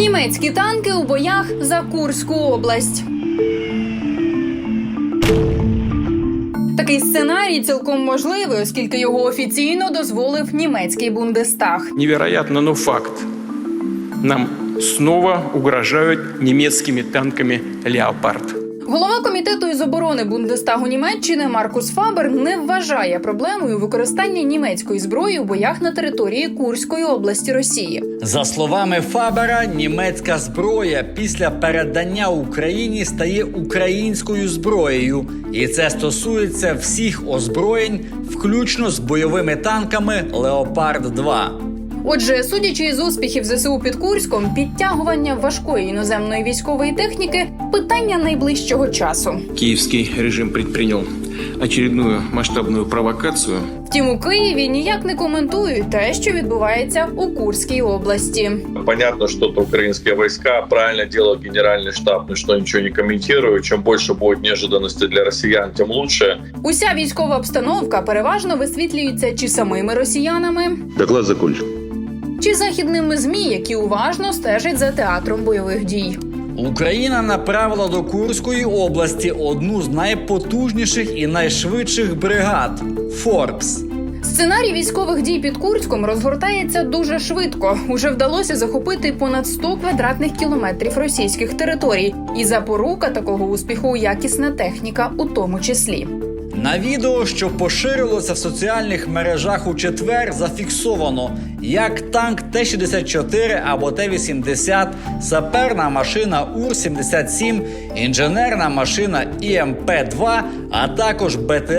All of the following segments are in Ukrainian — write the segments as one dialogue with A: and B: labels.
A: Німецькі танки у боях за Курську область. Такий сценарій цілком можливий, оскільки його офіційно дозволив німецький Бундестаг.
B: Невероятно, но факт. Нам снова угрожают немецкими танками «Леопард».
A: Голова комітету із оборони Бундестагу Німеччини Маркус Фабер не вважає проблемою використання німецької зброї у боях на території Курської області Росії.
C: За словами Фабера, німецька зброя після передання Україні стає українською зброєю. І це стосується всіх озброєнь, включно з бойовими танками «Леопард-2».
A: Отже, судячи із успіхів ЗСУ під Курськом, підтягування важкої іноземної військової техніки – питання найближчого часу.
B: Киевский режим предпринял очередную масштабную провокацию.
A: Втім, у Києві ніяк не коментують те, що відбувається у Курській області.
D: Понятно, что это украинские войска. Правильно делает генеральный штаб, что ничего не комментирую. Чем больше будет неожиданностей для россиян, тем лучше.
A: Уся військова обстановка переважно висвітлюється чи самими росіянами,
E: Доклад закончен.
A: чи західними ЗМІ, які уважно стежать за театром бойових дій.
C: Україна направила до Курської області одну з найпотужніших і найшвидших бригад – «Форбс».
A: Сценарій військових дій під Курськом розгортається дуже швидко. Уже вдалося захопити понад 100 квадратних кілометрів російських територій. І запорука такого успіху – якісна техніка у тому числі.
C: На відео, що поширилося в соціальних мережах у четвер, зафіксовано, як танк Т-64 або Т-80, саперна машина УР-77, інженерна машина ІМП-2, а також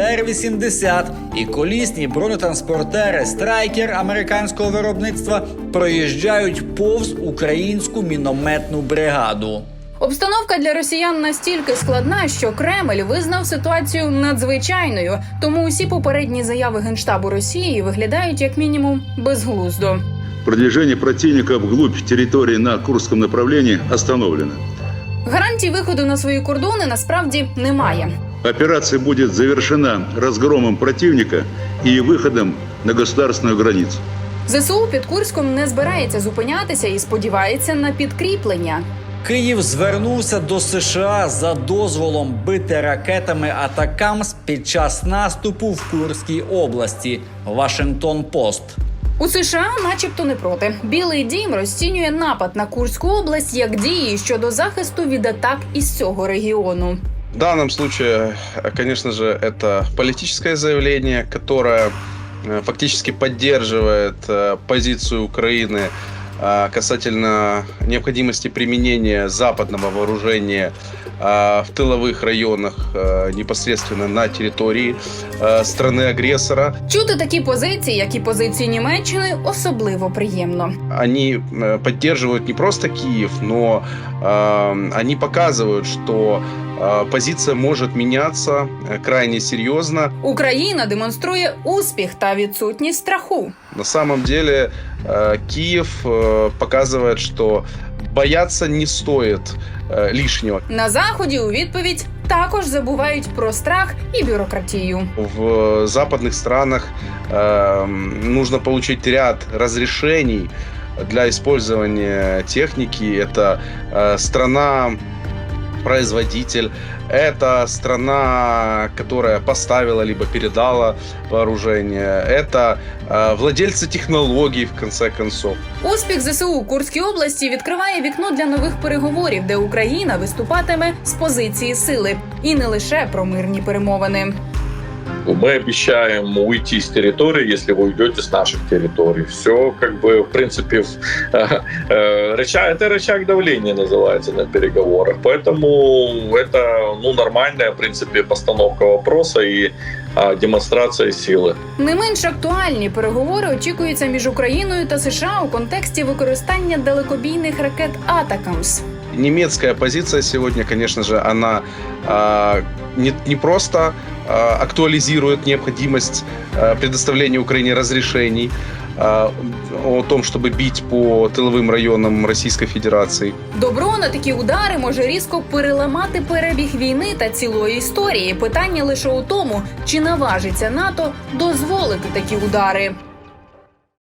C: БТР-80 і колісні бронетранспортери «Страйкер» американського виробництва проїжджають повз українську мінометну бригаду.
A: Обстановка для росіян настільки складна, що Кремль визнав ситуацію надзвичайною. Тому усі попередні заяви Генштабу Росії виглядають як мінімум безглуздо.
E: Продвижение противника вглубь территории на Курском направлении остановлено.
A: Гарантій виходу на свої кордони насправді немає.
E: Операция будет завершена разгромом противника и выходом на государственную границу.
A: ЗСУ під Курськом не збирається зупинятися і сподівається на підкріплення.
C: Київ звернувся до США за дозволом бити ракетами «Атакамс» під час наступу в Курській області. Вашингтон-Пост.
A: У США начебто не проти. Білий дім розцінює напад на Курську область як дії щодо захисту від атак із цього регіону.
F: В данном случае, конечно же, это политическое заявление, которое фактически поддерживает позицию Украины касательно необходимости применения западного вооружения в тыловых районах непосредственно на территории страны-агрессора.
A: Чути такі позиції, як і позиції Німеччини, особливо приємно.
F: Они поддерживают не просто Киев, но они показывают, что позиция может меняться крайне серьезно.
A: Україна демонструє успіх та відсутність страху.
F: На самом деле Киев показывает, что бояться не стоит лишнего.
A: На Заході у відповідь також забувають про страх і бюрократію.
F: В западных странах нужно получить ряд разрешений для использования техники. Это страна-производитель, это страна, которая поставила либо передала вооружение, это владельцы технологий, в конце концов.
A: Успіх ЗСУ у Курській області відкриває вікно для нових переговорів, де Україна виступатиме з позиції сили. І не лише про мирні перемовини.
D: Мы обещаем уйти с территории, если вы уйдете с наших территорий. Все, в принципе, это рычаг давления называется на переговорах. Поэтому это нормальная, в принципе, постановка вопроса и демонстрація сили.
A: Не менш актуальні переговори очікуються між Україною та США у контексті використання далекобійних ракет «Атакамс».
F: Немецкая позиция сегодня, конечно же, она не просто актуализирует необходимость предоставления Украине разрешений о том, чтобы бить по тиловим районам Російської Федерації.
A: Добро на такі удари може різко переламати перебіг війни та цілої історії. Питання лише у тому, чи наважиться НАТО дозволити такі удари.